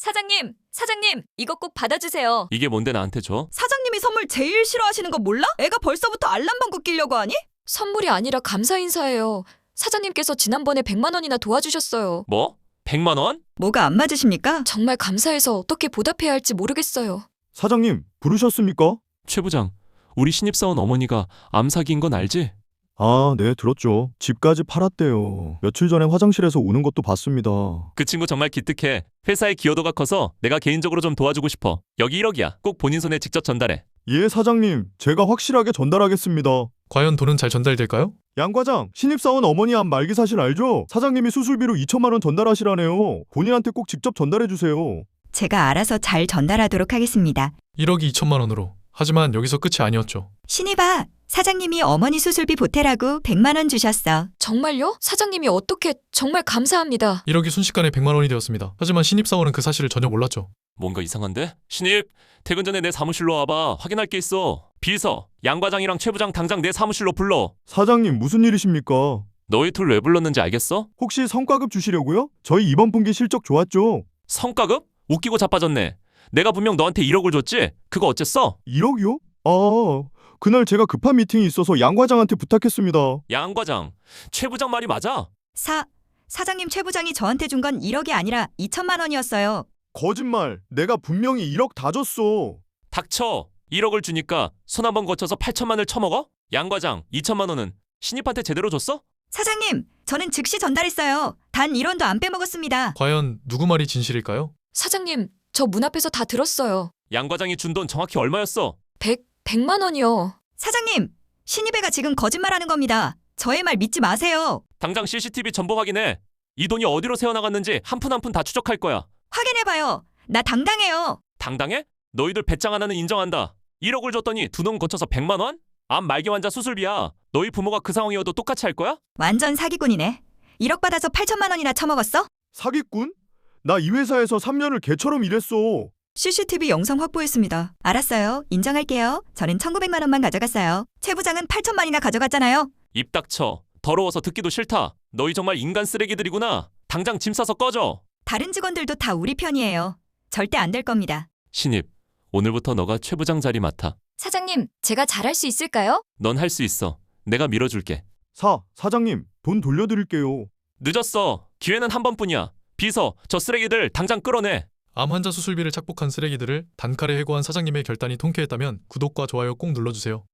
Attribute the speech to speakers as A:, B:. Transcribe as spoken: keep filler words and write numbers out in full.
A: 사장님, 사장님, 이거 꼭 받아주세요.
B: 이게 뭔데 나한테 줘?
C: 사장님이 선물 제일 싫어하시는 거 몰라? 애가 벌써부터 알람방구 끼려고 하니?
A: 선물이 아니라 감사 인사예요. 사장님께서 지난번에 백만 원이나 도와주셨어요.
B: 뭐? 백만 원?
C: 뭐가 안 맞으십니까?
A: 정말 감사해서 어떻게 보답해야 할지 모르겠어요.
D: 사장님, 부르셨습니까?
B: 최 부장, 우리 신입사원 어머니가 암 사기인 건 알지?
D: 아, 네, 들었죠. 집까지 팔았대요. 며칠 전에 화장실에서 우는 것도 봤습니다.
B: 그 친구 정말 기특해. 회사의 기여도가 커서 내가 개인적으로 좀 도와주고 싶어. 여기 일억이야. 꼭 본인 손에 직접 전달해.
D: 예, 사장님, 제가 확실하게 전달하겠습니다.
E: 과연 돈은 잘 전달될까요?
D: 양 과장, 신입사원 어머니 암 말기 사실 알죠? 사장님이 수술비로 이천만 원 전달하시라네요. 본인한테 꼭 직접 전달해주세요.
C: 제가 알아서 잘 전달하도록 하겠습니다.
E: 일억이 이천만 원으로. 하지만 여기서 끝이 아니었죠.
C: 신입아, 사장님이 어머니 수술비 보태라고 백만 원 주셨어.
A: 정말요? 사장님이 어떻게 정말 감사합니다.
E: 일억이 순식간에 백만 원이 되었습니다. 하지만 신입사원은 그 사실을 전혀 몰랐죠.
B: 뭔가 이상한데? 신입, 퇴근 전에 내 사무실로 와봐. 확인할 게 있어. 비서, 양 과장이랑 최 부장 당장 내 사무실로 불러.
D: 사장님, 무슨 일이십니까?
B: 너희 둘 왜 불렀는지 알겠어?
D: 혹시 성과급 주시려고요? 저희 이번 분기 실적 좋았죠?
B: 성과급? 웃기고 자빠졌네. 내가 분명 너한테 일억을 줬지? 그거 어쨌어?
D: 일억이요? 아, 그날 제가 급한 미팅이 있어서 양 과장한테 부탁했습니다.
B: 양 과장, 최 부장 말이 맞아?
C: 사, 사장님 최 부장이 저한테 준 건 일억이 아니라 이천만 원이었어요.
D: 거짓말. 내가 분명히 일억 다 줬어.
B: 닥쳐. 일억을 주니까 손 한 번 거쳐서 팔천만을 쳐먹어? 양 과장, 이천만 원은 신입한테 제대로 줬어?
C: 사장님, 저는 즉시 전달했어요. 단 일 원도 안 빼먹었습니다.
E: 과연 누구 말이 진실일까요?
A: 사장님, 저 문 앞에서 다 들었어요.
B: 양 과장이 준 돈 정확히 얼마였어?
A: 백, 백만 원이요.
C: 사장님, 신입애가 지금 거짓말하는 겁니다. 저의 말 믿지 마세요.
B: 당장 씨씨티비 전보 확인해. 이 돈이 어디로 새어나갔는지 한 푼 한 푼 다 추적할 거야.
C: 확인해봐요. 나 당당해요.
B: 당당해? 너희들 배짱 하나는 인정한다. 일억을 줬더니 두 놈 거쳐서 백만 원? 암 말기 환자 수술비야. 너희 부모가 그 상황이어도 똑같이 할 거야?
C: 완전 사기꾼이네. 일억 받아서 팔천만 원이나 처먹었어?
D: 사기꾼? 나 이 회사에서 삼 년을 개처럼 일했어.
C: 씨씨티비 영상 확보했습니다. 알았어요. 인정할게요. 저는 천구백만 원만 가져갔어요. 최 부장은 팔천만이나 가져갔잖아요.
B: 입 닥쳐. 더러워서 듣기도 싫다. 너희 정말 인간 쓰레기들이구나. 당장 짐 싸서 꺼져.
C: 다른 직원들도 다 우리 편이에요. 절대 안 될 겁니다.
B: 신입, 오늘부터 너가 최 부장 자리 맡아.
A: 사장님, 제가 잘할 수 있을까요?
B: 넌 할 수 있어. 내가 밀어줄게.
D: 사, 사장님, 돈 돌려드릴게요.
B: 늦었어. 기회는 한 번뿐이야. 비서, 저 쓰레기들 당장 끌어내.
E: 암 환자 수술비를 착복한 쓰레기들을 단칼에 해고한 사장님의 결단이 통쾌했다면 구독과 좋아요 꼭 눌러주세요.